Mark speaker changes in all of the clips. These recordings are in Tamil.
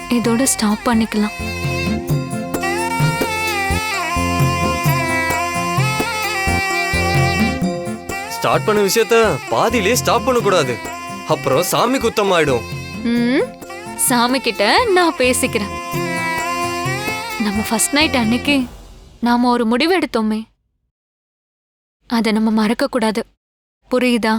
Speaker 1: இதோட ஸ்டாப் பண்ணிக்கலாம்.
Speaker 2: ஸ்டார்ட் பண்ண விஷயத்த பாதியிலே ஸ்டாப் பண்ண கூடாது. அப்புறம் சாமி குத்தம் ஆயிடும்.
Speaker 1: சாமி கிட்ட நான் பேசிக்கிறேன். நம்ம ஃபர்ஸ்ட் நைட் அன்னைக்கு நாம ஒரு முடிவு எடுத்தோமே, அதை நம்ம மறக்க கூடாது. புரியுதா?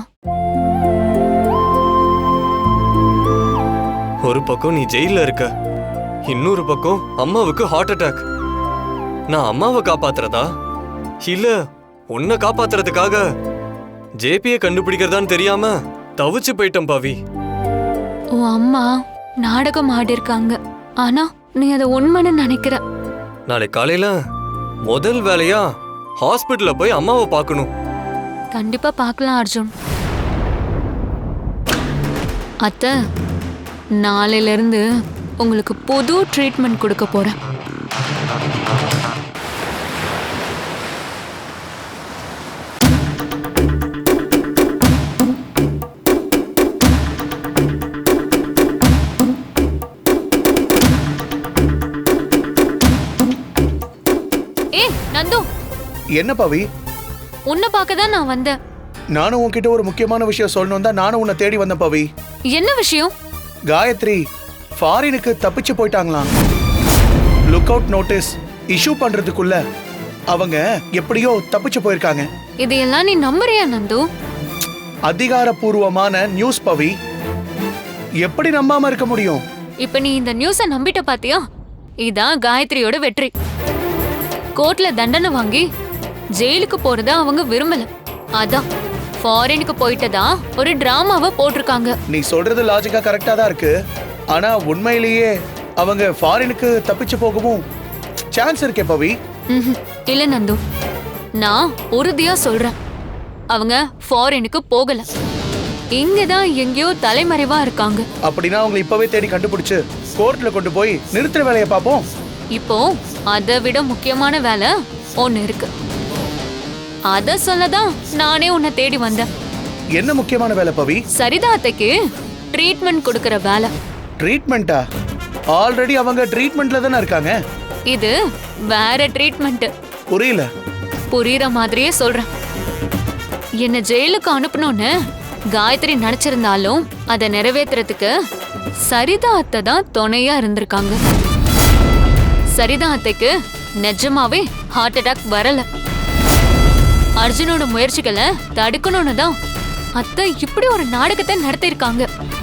Speaker 2: ஒரு பக்கம் நீ ஜெயில இருக்க, இன்னொரு பக்கம் அம்மாவுக்கு ஹார்ட் அட்டாக். நான் அம்மாவை காப்பாத்துறதா இல்ல உன்னை காப்பாத்துறதுக்காக ஜேபியை கண்டுபிடிக்கிறதான்னு தெரியாம தவிச்சு போயிட்டேன் பாவி.
Speaker 1: உன் அம்மா நாடகம் ஆடி இருக்காங்க, ஆனா நீ அதை உண்மைன்னு நினைக்கிற.
Speaker 2: நாளை காலையில முதல் வேலையா ஹாஸ்பிட்டல்ல போய் அம்மாவை பார்க்கணும்.
Speaker 1: கண்டிப்பா பார்க்கலாம் அர்ஜுன். அத்தை, நாளையில இருந்து உங்களுக்கு புது ட்ரீட்மெண்ட் கொடுக்க போறேன். நந்து,
Speaker 3: என்ன பவி?
Speaker 1: உன்னை பார்க்க தான் நான் வந்தேன்.
Speaker 3: நானும் உன்கிட்ட ஒரு முக்கியமான விஷயம் சொல்லணும் தான் நானும் உன்னை தேடி வந்தேன் பவி.
Speaker 1: என்ன விஷயம்?
Speaker 3: காயத்ரி ஃபாரினுக்கு தப்பிச்சு போயிட்டாங்களாம். லுக் அவுட் நோட்டீஸ் இஷ்யூ பண்றதுக்குள்ள அவங்க எப்படியோ தப்பிச்சு போயிருக்காங்க.
Speaker 1: இதையெல்லாம் நீ நம்புறியா நந்து?
Speaker 3: அதிகாரப்பூர்வமான நியூஸ் பவி, எப்படி நம்பாம இருக்க முடியும்?
Speaker 1: இப்ப நீ இந்த நியூஸ நம்பிட்ட பாத்தியா? இதான் காயத்ரியோட வெற்றி. கோர்ட்ல தண்டனை வாங்கி ஜெயிலுக்கு போறத அவங்க விரும்பல, அதான் ஃபாரினுக்கு போயிட்டதா ஒரு டிராமாவை போட்டிருக்காங்க.
Speaker 3: நீ சொல்றது லாஜிக்கா கரெக்டா தான் இருக்கு. ஆனா உண்மையிலேயே அவங்க ஃபாரினுக்கு தப்பிச்சு போகவும் சான்ஸ் இருக்கே பவி.
Speaker 1: இல்ல நந்து, நான் உறுதியா சொல்றேன், அவங்க ஃபாரினுக்கு போகல, இங்கதான் எங்கேயோ தலைமறைவா இருக்காங்க.
Speaker 3: அப்படின்னா அவங்க இப்பவே தேடி கண்டுபிடிச்சு கோர்ட்ல கொண்டு போய் நிறுத்துற வேலையை பார்ப்போம்.
Speaker 1: இப்போ அதை விட முக்கியமான வேலை ஒன்னு இருக்கு. அத சொல்லதான் நானே உன்னை தேடி வந்தேன்.
Speaker 3: என்ன முக்கியமான வேலை பவி?
Speaker 1: சரிதா அத்தைக்கு ட்ரீட்மெண்ட் கொடுக்கற வேலை.
Speaker 3: ட்ரீட்மெண்டா? ஆல்ரெடி அவங்க ட்ரீட்மெண்ட்ல தானே இருக்காங்க.
Speaker 1: இது வேற ட்ரீட்மெண்ட்.
Speaker 3: புரியல.
Speaker 1: புரியுற மாதிரியே சொல்றேன். என்ன ஜெயிலுக்கு அனுப்பணும்னு காயத்ரி நினைச்சிருந்தாலும் அதை நிறைவேற்றுறதுக்கு சரிதா அத்தை தான் துணையா இருந்திருக்காங்க. சரிதா அத்தைக்கு நிஜமாவே ஹார்ட் அட்டாக் வரல. அர்ஜுனோட முயற்சிகளை தடுக்கணும்னு தான் அத்தை இப்படி ஒரு நாடகத்தை நடத்திருக்காங்க.